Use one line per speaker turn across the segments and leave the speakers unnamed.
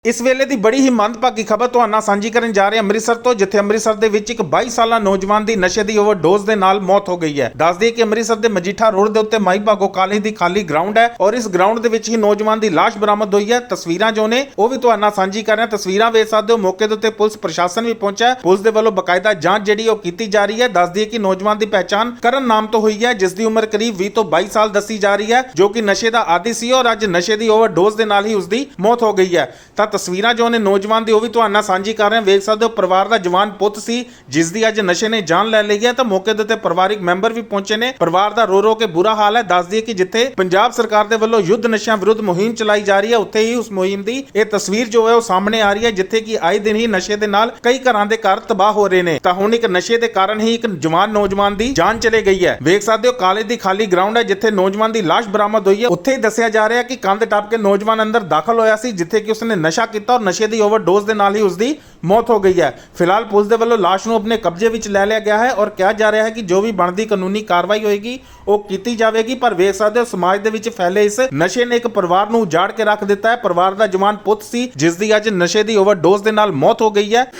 ਇਸ ਵੇਲੇ ਦੀ ਬੜੀ ਹੀ ਮੰਦਭਾਗੀ ਖਬਰ ਤੁਹਾਡੇ ਨਾਲ ਸਾਂਝੀ ਕਰਨ ਜਾ ਰਹੇ ਹਾਂ ਅੰਮ੍ਰਿਤਸਰ ਤੋਂ, ਜਿੱਥੇ ਅੰਮ੍ਰਿਤਸਰ ਦੇ ਵਿੱਚ ਇੱਕ 22 ਸਾਲਾ ਨੌਜਵਾਨ ਦੀ ਨਸ਼ੇ ਦੀ ਓਵਰਡੋਜ਼ ਦੇ ਨਾਲ ਮੌਤ ਹੋ ਗਈ ਹੈ। ਦੱਸ ਦਈਏ ਕਿ ਅੰਮ੍ਰਿਤਸਰ ਦੇ ਮਜੀਠਾ ਰੋਡ ਦੇ ਉੱਤੇ ਮਾਈ ਭਾਗੋ ਕਾਲਜ ਦੀ ਖਾਲੀ ਗਰਾਊਂਡ ਹੈ ਔਰ ਇਸ ਗਰਾਊਂਡ ਦੇ ਵਿੱਚ ਹੀ ਨੌਜਵਾਨ ਦੀ ਲਾਸ਼ ਬਰਾਮਦ ਹੋਈ ਹੈ। ਤਸਵੀਰਾਂ ਜੋ ਨੇ ਉਹ ਵੀ ਤੁਹਾਡੇ ਨਾਲ ਸਾਂਝੀ ਕਰ ਰਹੇ ਹਾਂ। ਤਸਵੀਰਾਂ ਵੇਖ ਸਕਦੇ ਹੋ, ਮੌਕੇ ਦੇ ਉੱਤੇ ਪੁਲਿਸ ਪ੍ਰਸ਼ਾਸਨ ਵੀ ਪਹੁੰਚਿਆ ਹੈ। ਪੁਲਿਸ ਦੇ ਵੱਲੋਂ ਬਕਾਇਦਾ ਜਾਂਚ ਜਿਹੜੀ ਉਹ ਕੀਤੀ ਜਾ ਰਹੀ ਹੈ। ਦੱਸ ਦਈਏ ਕਿ ਨੌਜਵਾਨ ਦੀ ਪਹਿਚਾਣ ਕਰਨ ਨਾਮ ਤੋਂ ਹੋਈ ਹੈ, ਜਿਸ ਦੀ ਉਮਰ ਕਰੀਬ 20 ਤੋਂ 22 ਸਾਲ ਦੱਸੀ ਜਾ ਰਹੀ ਹੈ, ਜੋ ਕਿ ਨਸ਼ੇ ਦਾ ਆਦੀ ਸੀ ਔਰ ਅੱਜ ਨਸ਼ੇ ਦੀ ਓਵਰਡੋਜ਼ ਦੇ ਨਾਲ ਹੀ ਉਸ ਦੀ ਮੌਤ ਹੋ ਗਈ ਹੈ। ਤਾਂ ਤਸਵੀਰਾਂ ਜੋ ਨੇ ਨੌਜਵਾਨ ਦੀ ਉਹ ਵੀ ਤੁਹਾਡੇ ਨਾਲ ਸਾਂਝੀ ਕਰ ਰਹੇ ਹਾਂ। ਵੇਖ ਸਕਦੇ ਹੋ, ਪਰਿਵਾਰ ਦਾ ਜਵਾਨ ਪੁੱਤ ਸੀ ਜਿਸ ਦੀ ਅੱਜ ਨਸ਼ੇ ਨੇ ਜਾਨ ਲੈ ਲਈ ਹੈ। ਤਾਂ ਮੌਕੇ ਦੇ ਉੱਤੇ ਪਰਿਵਾਰਿਕ ਮੈਂਬਰ ਵੀ ਪਹੁੰਚੇ ਨੇ। ਪਰਿਵਾਰ ਦਾ ਰੋ ਕੇ ਬੁਰਾ ਹਾਲ ਹੈ। ਦੱਸ ਦਈਏ ਕਿ ਜਿੱਥੇ ਪੰਜਾਬ ਸਰਕਾਰ ਦੇ ਵੱਲੋਂ ਯੁੱਧ ਨਸ਼ਿਆਂ ਵਿਰੁੱਧ ਮੁਹਿੰਮ ਚਲਾਈ ਜਾ ਰਹੀ ਹੈ, ਉੱਥੇ ਹੀ ਉਸ ਮੁਹਿੰਮ ਦੀ ਇਹ ਤਸਵੀਰ ਜੋ ਹੈ ਉਹ ਸਾਹਮਣੇ ਆ ਰਹੀ ਹੈ, ਜਿੱਥੇ ਕਿ ਆਏ ਦਿਨ ਹੀ ਨਸ਼ੇ ਦੇ ਨਾਲ ਕਈ ਘਰਾਂ ਦੇ ਘਰ ਤਬਾਹ ਹੋ ਰਹੇ ਨੇ। ਤਾਂ ਹੁਣ ਇੱਕ ਨਸ਼ੇ ਦੇ ਕਾਰਨ ਹੀ ਇੱਕ ਜਵਾਨ ਨੌਜਵਾਨ ਦੀ ਜਾਨ ਚਲੇ ਗਈ ਹੈ। ਵੇਖ ਸਕਦੇ ਹੋ, ਕਾਲਜ ਦੀ ਖਾਲੀ ਗਰਾਊਂਡ ਹੈ ਜਿੱਥੇ ਨੌਜਵਾਨ ਦੀ ਲਾਸ਼ ਬਰਾਮਦ ਹੋਈ ਹੈ। ਉੱਥੇ ਹੀ ਦੱਸਿਆ ਜਾ ਰਿਹਾ ਹੈ ਕਿ ਕੰਧ ਟੱਪ ਕੇ ਨੌਜਵਾਨ ਅੰਦਰ ਦਾਖਲ ਹੋਇਆ ਸੀ, ਜਿੱਥੇ ਕਿ ਉਸਨੇ ਨਸ਼ਾ ਕੀਤਾ ਔਰ ਨਸ਼ੇ ਦੀ ਓਵਰਡੋਜ਼ ਦੇ ਨਾਲ ਹੀ ਉਸ ਦੀ ਮੌਤ ਹੋ ਗਈ ਹੈ। ਫਿਲਹਾਲ ਪੁਲਿਸ ਦੇ ਵੱਲੋਂ ਲਾਸ਼ ਨੂੰ ਆਪਣੇ ਕਬਜ਼ੇ ਵਿੱਚ ਲੈ ਲਿਆ ਗਿਆ ਹੈ ਔਰ ਕਿਹਾ ਜਾ ਰਿਹਾ ਹੈ ਕਿ ਜੋ ਵੀ ਬਣਦੀ ਕਾਨੂੰਨੀ ਕਾਰਵਾਈ ਹੋਏਗੀ ਉਹ ਕੀਤੀ ਜਾਵੇਗੀ। ਪਰ ਵੇਖ ਸਕਦੇ ਹੋ, ਸਮਾਜ ਦੇ ਵਿੱਚ ਫੈਲੇ ਇਸ ਨਸ਼ੇ ਨੇ ਇੱਕ ਪਰਿਵਾਰ ਨੂੰ ਉਜਾੜ ਕੇ ਰੱਖ ਦਿੱਤਾ ਹੈ। ਪਰਿਵਾਰ ਦਾ ਜਵਾਨ ਪੁੱਤ ਸੀ ਜਿਸ ਦੀ ਅੱਜ ਨਸ਼ੇ ਦੀ ਓਵਰਡੋਜ਼ ਦੇ ਨਾਲ ਮੌਤ ਹੋ ਗਈ ਹੈ।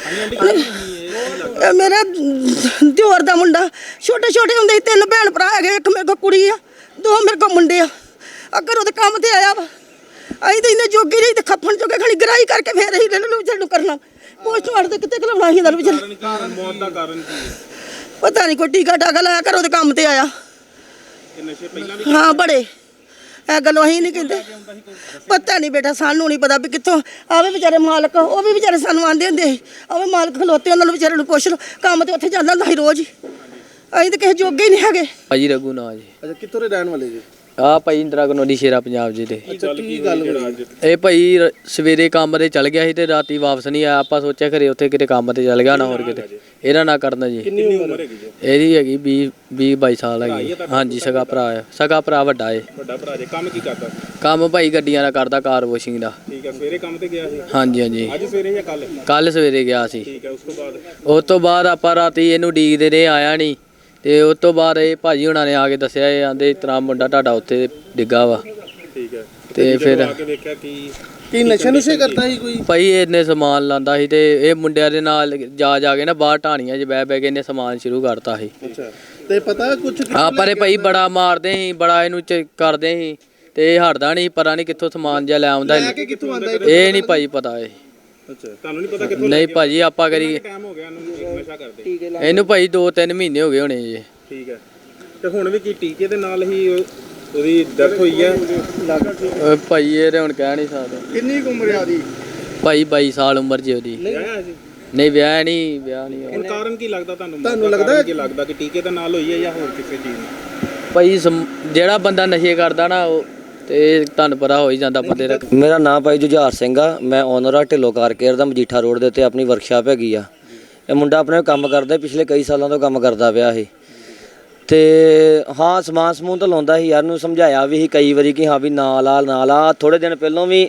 ਮੇਰਾ ਦਿਓਰ ਦਾ ਮੁੰਡਾ ਛੋਟੇ ਹੁੰਦੇ ਹੀ 3 ਭੈਣ ਭਰਾ ਹੈਗੇ, ਇੱਕ ਮੇਰੇ ਕੋਲ ਕੁੜੀ ਆ, 2 ਮੇਰੇ ਕੋਲ ਮੁੰਡੇ ਆ। ਅਗਰ ਉਹਦੇ ਕੰਮ ਤੇ ਆਇਆ ਵਾ, ਅਸੀਂ ਤਾਂ ਇਹਨੇ ਜੋਗੀ ਨਹੀਂ ਤੇ ਖੱਫਣ ਚੋਕੇ ਖਾਲੀ ਗਰਾਈ ਕਰਕੇ ਫੇਰ ਅਸੀਂ ਇਹਨਾਂ ਨੂੰ ਵਿਚਾਰ ਨੂੰ ਕਰਨਾ। ਪੋਸਟਮਾਰਟਮ ਤੇ ਕਿਤੇ ਕਲਾਉਣਾ ਸੀ ਇਹਨਾਂ ਨੂੰ ਵਿਚਾਰ।
ਮੌਤ ਦਾ ਕਾਰਨ ਕੀ ਹੈ
ਪਤਾ ਨਹੀਂ, ਕੋਈ ਟੀਕਾ ਟਾਕਾ ਲਾਇਆ ਕਰ ਉਹਦੇ ਕੰਮ ਤੇ ਆਇਆ।
ਨਸ਼ੇ ਪਹਿਲਾਂ ਵੀ
ਹਾਂ ਬੜੇ, ਇਹ ਗੱਲ ਅਸੀਂ ਨਹੀਂ ਕਹਿੰਦੇ। ਪਤਾ ਨਹੀਂ ਬੇਟਾ, ਸਾਨੂੰ ਨਹੀਂ ਪਤਾ ਵੀ ਕਿੱਥੋਂ ਆਵੇ ਵਿਚਾਰੇ ਮਾਲਕ। ਉਹ ਵੀ ਵਿਚਾਰੇ ਸਾਨੂੰ ਆਂਦੇ ਹੁੰਦੇ ਸੀ, ਆਵੇ ਮਾਲਕ ਖਲੋਤੇ, ਉਹਨਾਂ ਨੂੰ ਵਿਚਾਰੇ ਨੂੰ ਪੁੱਛ ਲਓ। ਕੰਮ ਤੇ ਉੱਥੇ ਜਾਂਦਾ ਹੁੰਦਾ ਸੀ ਰੋਜ਼ ਹੀ। ਅਸੀਂ ਤਾਂ ਕਿਸੇ ਜੋਗੇ ਹੀ ਨਹੀਂ ਹੈਗੇ।
ਭਾਜੀ ਰਘੂ ਨਾ ਜੀ।
ਅੱਛਾ, ਕਿੱਥੋਂ ਦੇ ਰਹਿਣ ਵਾਲੇ ਜੀ?
ਆ ਭਾਈ ਇੰਦਰਾ ਕਲੋਨੀ ਸ਼ੇਰਾ ਪੰਜਾਬ ਜੀ ਦੇ।
ਅੱਛਾ, ਕੀ ਗੱਲ ਹੋਈ?
ਇਹ ਭਾਈ ਸਵੇਰੇ ਕੰਮ ਤੇ ਚਲ ਗਿਆ ਸੀ ਤੇ ਰਾਤੀ ਵਾਪਸ ਨਹੀਂ ਆਇਆ। ਆਪਾਂ ਸੋਚਿਆ ਘਰੇ ਉੱਥੇ ਕਿਤੇ ਕੰਮ ਤੇ ਚਲ ਗਿਆ ਨਾ ਹੋਰ ਕਿਤੇ। ਇਹਦਾ ਨਾ ਕਰਨਾ ਜੀ।
ਕਿੰਨੀ ਉਮਰ ਹੈਗੀ ਜੀ?
ਇਹਦੀ ਹੈਗੀ 20-22 ਸਾਲ ਹੈਗੀ। ਹਾਂਜੀ, ਸਗਾ ਭਰਾ ਹੈ। ਸਗਾ ਭਰਾ ਵੱਡਾ ਏ।
ਵੱਡਾ ਭਰਾ ਜੀ। ਕੰਮ ਕੀ ਕਰਦਾ?
ਕੰਮ ਭਾਈ ਗੱਡੀਆਂ ਦਾ ਕਰਦਾ, ਕਾਰ ਵਾਸ਼ਿੰਗ ਦਾ।
ਠੀਕ ਹੈ। ਸਵੇਰੇ ਕੰਮ ਤੇ ਗਿਆ ਸੀ?
ਹਾਂਜੀ।
ਅੱਜ ਸਵੇਰੇ ਜਾਂ ਕੱਲ?
ਕੱਲ ਸਵੇਰੇ ਗਿਆ ਸੀ।
ਠੀਕ ਹੈ।
ਉਸ ਤੋਂ ਬਾਅਦ ਆਪਾਂ ਰਾਤੀ ਇਹਨੂੰ ਡੀਕਦੇ ਰਹੇ, ਆਇਆ ਨਹੀਂ। ਤੇ ਉਸ ਤੋਂ ਬਾਅਦ ਇਹ ਭਾਜੀ ਹੁਣਾਂ ਨੇ ਆ ਕੇ ਦੱਸਿਆ, ਇਹ ਆਂਦੇ ਇਸ ਤਰ੍ਹਾਂ ਮੁੰਡਾ ਤੁਹਾਡਾ ਉੱਥੇ ਡਿੱਗਾ ਵਾ।
ਠੀਕ ਹੈ।
ਤੇ ਫਿਰ
ਆ ਕੇ ਵੇਖਿਆ ਕੀ ਨਸ਼ੇ ਕਰਦਾ ਸੀ ਕੋਈ?
ਭਾਈ ਇਹਨੇ ਸਮਾਨ ਲਾਂਦਾ ਸੀ ਤੇ ਇਹ ਮੁੰਡਿਆਂ ਦੇ ਨਾਲ ਜਾ ਕੇ ਨਾ ਬਾਹਰ ਢਾਣੀਆਂ 'ਚ ਬਹਿ ਕੇ ਇਹਨੇ ਸਮਾਨ ਸ਼ੁਰੂ ਕਰਤਾ ਸੀ।
ਅੱਛਾ, ਤੇ ਪਤਾ ਕੁਝ?
ਆਪਾਂ ਨੇ ਭਾਈ ਬੜਾ ਮਾਰਦੇ ਸੀ, ਬੜਾ ਇਹਨੂੰ ਕਰਦੇ ਸੀ ਤੇ ਇਹ ਹਟਦਾ ਨਹੀਂ। ਪਤਾ ਨਹੀਂ ਕਿੱਥੋਂ ਸਮਾਨ ਜਿਹਾ ਲੈ ਆਉਂਦਾ। ਇਹ ਨਹੀਂ ਭਾਈ ਪਤਾ। ਇਹ
ਅੱਛਾ, ਤੁਹਾਨੂੰ ਨਹੀਂ ਪਤਾ ਕਿੱਥੋਂ?
ਨਹੀਂ ਭਾਜੀ, ਆਪਾਂ ਕਰੀ
ਟਾਈਮ ਹੋ ਗਿਆ ਇਹਨੂੰ ਨਸ਼ਾ ਕਰਦੇ?
ਇਹਨੂੰ ਭਾਈ 2-3 ਮਹੀਨੇ ਹੋ ਗਏ ਹੋਣੇ ਜੀ।
ਠੀਕ ਹੈ। ਤੇ ਹੁਣ ਵੀ ਕੀ ਟੀਕੇ ਦੇ ਨਾਲ ਹੀ ਉਹਦੀ ਡੈਥ ਹੋਈ ਹੈ?
ਭਾਈ ਇਹ ਹੁਣ ਕਹਿ ਨਹੀਂ ਸਕਦੇ।
ਕਿੰਨੀ ਉਮਰ ਆ ਦੀ?
ਭਾਈ 22 ਸਾਲ ਉਮਰ ਜੀ ਉਹਦੀ।
ਵਿਆਹਿਆ ਜੀ?
ਨਹੀਂ ਵਿਆਹ ਨਹੀਂ
ਹੁਣ ਕਾਰਨ ਕੀ ਲੱਗਦਾ ਤੁਹਾਨੂੰ ਲੱਗਦਾ ਕਿ ਟੀਕੇ ਦੇ ਨਾਲ ਹੋਈ ਹੈ ਜਾਂ ਹੋਰ ਕਿਸੇ ਚੀਜ਼ ਨਾਲ?
ਭਾਈ ਜਿਹੜਾ ਬੰਦਾ ਨਸ਼ੇ ਕਰਦਾ ਨਾ ਉਹ ਤੇ ਤੁਹਾਨੂੰ ਪਤਾ ਹੋ ਹੀ ਜਾਂਦਾ ਬੰਦੇ ਦਾ।
ਮੇਰਾ ਨਾਮ ਭਾਈ ਜੁਝਾਰ ਸਿੰਘ ਆ। ਮੈਂ ਓਨਰ ਆ ਢਿੱਲੋਂ ਕਾਰ ਕੇਅਰ ਦਾ। ਮਜੀਠਾ ਰੋਡ ਦੇ ਉੱਤੇ ਆਪਣੀ ਵਰਕਸ਼ਾਪ ਹੈਗੀ ਆ। ਇਹ ਮੁੰਡਾ ਆਪਣੇ ਕੰਮ ਕਰਦਾ, ਪਿਛਲੇ ਕਈ ਸਾਲਾਂ ਤੋਂ ਕੰਮ ਕਰਦਾ ਪਿਆ ਸੀ। ਤੇ ਹਾਂ, ਸਮਾਨ ਸਮੂਨ ਤਾਂ ਲਾਉਂਦਾ ਸੀ। ਯਾਰ ਨੂੰ ਸਮਝਾਇਆ ਵੀ ਸੀ ਕਈ ਵਾਰੀ ਕਿ ਹਾਂ ਵੀ ਨਾ ਲਾ। ਥੋੜੇ ਦਿਨ ਪਹਿਲਾਂ ਵੀ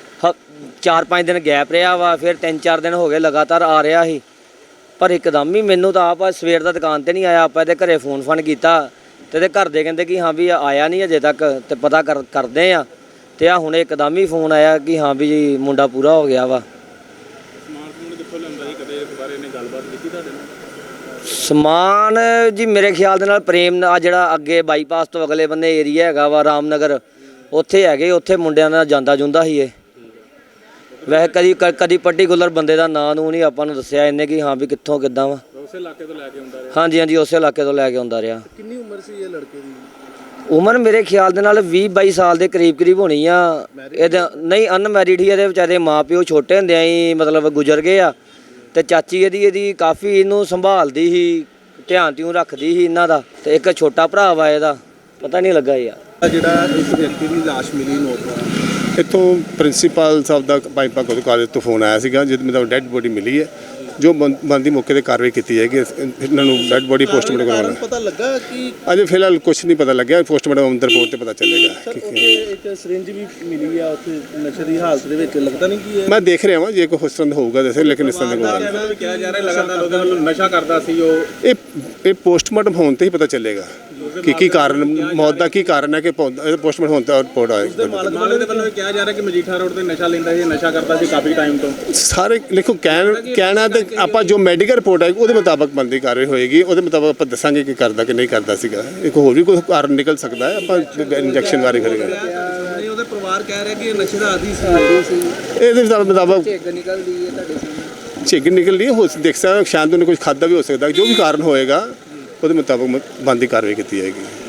4-5 ਦਿਨ ਗੈਪ ਰਿਹਾ ਵਾ, ਫਿਰ 3-4 ਦਿਨ ਹੋ ਗਏ ਲਗਾਤਾਰ ਆ ਰਿਹਾ ਸੀ। ਪਰ ਇੱਕਦਮ ਹੀ ਮੈਨੂੰ ਤਾਂ ਆਪ ਸਵੇਰ ਦਾ ਦੁਕਾਨ ਤੇ ਨਹੀਂ ਆਇਆ। ਆਪਾਂ ਇਹਦੇ ਘਰੇ ਫੋਨ ਕੀਤਾ ਤੇ ਇਹਦੇ ਘਰ ਦੇ ਕਹਿੰਦੇ ਕਿ ਹਾਂ ਵੀ ਆਇਆ ਨਹੀਂ ਅਜੇ ਤੱਕ, ਤੇ ਪਤਾ ਕਰਦੇ ਆ। ਤੇ ਆ ਹੁਣ ਇੱਕਦਮ ਹੀ ਫੋਨ ਆਇਆ ਕਿ ਹਾਂ ਵੀ ਜੀ ਮੁੰਡਾ ਪੂਰਾ ਹੋ ਗਿਆ ਵਾ।
ਸਮਾਨ ਕਿੱਥੋਂ ਲੈਂਦਾ ਸੀ? ਕਦੇ ਇਸ ਬਾਰੇ ਨੇ ਗੱਲਬਾਤ ਕੀਤੀ ਤੁਹਾਡੇ ਨਾਲ?
ਸਮਾਨ ਜੀ ਮੇਰੇ ਖਿਆਲ ਦੇ ਨਾਲ ਪ੍ਰੇਮ ਆ ਜਿਹੜਾ ਅੱਗੇ ਬਾਈਪਾਸ ਤੋਂ ਅਗਲੇ ਬੰਨੇ ਏਰੀਆ ਹੈਗਾ ਵਾ ਰਾਮਨਗਰ, ਉੱਥੇ ਹੈਗੇ। ਉੱਥੇ ਮੁੰਡਿਆਂ ਨਾਲ ਜਾਂਦਾ ਜੁੰਦਾ ਸੀ ਇਹ। ਵੈਸੇ ਕਦੀ ਪਰਟੀਕੂਲਰ ਬੰਦੇ ਦਾ ਨਾਂ ਨੂੰ ਨਹੀਂ ਆਪਾਂ ਨੂੰ ਦੱਸਿਆ ਇਹਨੇ ਕਿ ਹਾਂ ਵੀ ਕਿੱਥੋਂ ਕਿੱਦਾਂ ਵਾ।
ਉਸੇ ਇਲਾਕੇ ਤੋਂ ਲੈ ਕੇ ਆਉਂਦਾ ਰਿਹਾ?
ਹਾਂਜੀ, ਉਸੇ ਇਲਾਕੇ ਤੋਂ ਲੈ ਕੇ ਆਉਂਦਾ ਰਿਹਾ।
ਕਿੰਨੀ ਉਮਰ ਸੀ ਇਹ ਲੜਕੇ ਦੀ?
ਉਮਰ ਮੇਰੇ ਖਿਆਲ ਦੇ ਨਾਲ 20-22 ਸਾਲ ਦੇ ਕਰੀਬ ਹੋਣੀ ਆ। ਇਹਦਾ ਨਹੀਂ, ਅਨਮੈਰਿਡ ਹੀ। ਇਹਦੇ ਵਿਚਾਰੇ ਮਾਂ ਪਿਓ ਛੋਟੇ ਹੁੰਦਿਆਂ ਹੀ ਮਤਲਬ ਗੁਜ਼ਰ ਗਏ ਆ। ਤੇ ਚਾਚੀ ਇਹਦੀ ਕਾਫੀ ਇਹਨੂੰ ਸੰਭਾਲਦੀ ਸੀ, ਧਿਆਨ ਤਿਉਂ ਰੱਖਦੀ ਸੀ ਇਹਨਾਂ ਦਾ। ਤੇ ਇੱਕ ਛੋਟਾ ਭਰਾ ਵਾ ਇਹਦਾ, ਪਤਾ ਨਹੀਂ ਲੱਗਾ ਯਾਰ।
ਜਿਹੜਾ ਇਸ ਵਿਅਕਤੀ ਦੀ ਲਾਸ਼ ਮਿਲੀ ਨੌਜਵਾਨ,
ਇੱਥੋਂ ਪ੍ਰਿੰਸੀਪਲ ਸਾਹਿਬ ਦਾ ਭਾਈ ਭਾਗੋ ਕਾਲਜ ਤੋਂ ਫੋਨ ਆਇਆ ਸੀਗਾ, ਜਿਹਦੇ ਮਤਲਬ ਡੈੱਡ ਬੋਡੀ ਮਿਲੀ ਹੈ। ਜੋ ਬਣਦੀ ਮੌਕੇ ਤੇ ਕਾਰਵਾਈ ਕੀਤੀ ਜਾਏਗੀ। ਇਹਨਾਂ ਨੂੰ ਡੈੱਡ ਬੋਡੀ ਪੋਸਟਮਾਰਟਮ ਕਰਵਾਉਣਾ।
ਪਤਾ ਲੱਗਾ ਕਿ
ਅਜੇ ਫਿਲਹਾਲ ਕੁਝ ਨਹੀਂ ਪਤਾ ਲੱਗਿਆ। ਪੋਸਟਮਾਰਟਮ ਰਿਪੋਰਟ ਤੇ ਪਤਾ ਚੱਲੇਗਾ।
ਇੱਕ ਸਿਰਿੰਜ ਵੀ ਮਿਲੀ ਆ ਉੱਥੇ ਨਸ਼ੇ ਦੀ ਹਾਲਤ ਦੇ ਵਿੱਚ। ਲੱਗਦਾ ਨਹੀਂ ਕਿ
ਮੈਂ ਦੇਖ ਰਿਹਾ ਹਾਂ ਜੇ ਕੋਈ ਉਸ ਤਰ੍ਹਾਂ ਦਾ ਹੋਊਗਾ ਦੱਸੇ, ਲੇਕਿਨ ਇਸ ਤਰ੍ਹਾਂ ਦਾ ਕੋਈ
ਕਿਹਾ ਜਾ ਰਿਹਾ ਲਗਾਤਾਰ ਉਹਦੇ ਵੱਲੋਂ ਨਸ਼ਾ ਕਰਦਾ ਸੀ ਉਹ।
ਇਹ ਪੋਸਟਮਾਰਟਮ ਹੋਣ ਤੇ ਹੀ ਪਤਾ ਚੱਲੇਗਾ। ਕਿ ਕੀ ਕਾਰਨ ਮੌਤ ਦਾ ਕੀ ਕਾਰਨ ਹੈ ਕਿ ਪੋਸਟਮਾਰਟਮ ਹੋਣ ਦਾ ਰਿਪੋਰਟ ਆਏਗਾ।
ਮਾਲਕ ਦੇ ਵੱਲੋਂ ਇਹ ਕਿਹਾ ਜਾ ਰਿਹਾ ਕਿ ਮਜੀਠਾ ਰੋਡ ਤੇ ਨਸ਼ਾ ਲੈਂਦਾ ਸੀ, ਨਸ਼ਾ ਕਰਦਾ ਸੀ ਕਾਫੀ ਟਾਈਮ ਤੋਂ।
ਸਾਰੇ ਦੇਖੋ ਕਹਿਣਾ ਤੇ ਆਪਾਂ ਜੋ ਮੈਡੀਕਲ ਰਿਪੋਰਟ ਆਏਗੀ ਉਹਦੇ ਮੁਤਾਬਕ ਬਣਦੀ ਕਾਰਵਾਈ ਹੋਏਗੀ, ਉਹਦੇ ਮੁਤਾਬਕ ਆਪਾਂ ਦੱਸਾਂਗੇ ਕਿ ਕਰਦਾ ਕਿ ਨਹੀਂ ਕਰਦਾ ਸੀਗਾ। ਇੱਕ ਹੋਰ ਵੀ ਕੋਈ ਕਾਰਨ ਨਿਕਲ ਸਕਦਾ ਹੈ, ਆਪਾਂ ਇੰਜੈਕਸ਼ਨ ਬਾਰੇ ਕਰਾਂਗੇ।
ਨਹੀਂ, ਉਹਦੇ ਪਰਿਵਾਰ ਕਹਿ ਰਿਹਾ ਕਿ ਇਹ ਨਸ਼ੇ ਦਾ ਆਦੀ ਸੀ।
ਇਹਦੇ ਮੁਤਾਬਕ
ਨਿਕਲਦੀ ਹੈ ਤੁਹਾਡੇ
ਝਿੱਗ ਨਿਕਲਦੀ ਹੋ ਦੇਖ ਸਕਦਾ, ਸ਼ਾਇਦ ਉਹਨੇ ਕੁਝ ਖਾਦਾ ਵੀ ਹੋ ਸਕਦਾ। ਜੋ ਵੀ ਕਾਰਨ ਹੋਏਗਾ ਉਹਦੇ ਮੁਤਾਬਕ ਬਣਦੀ ਕਾਰਵਾਈ ਕੀਤੀ ਜਾਏਗੀ।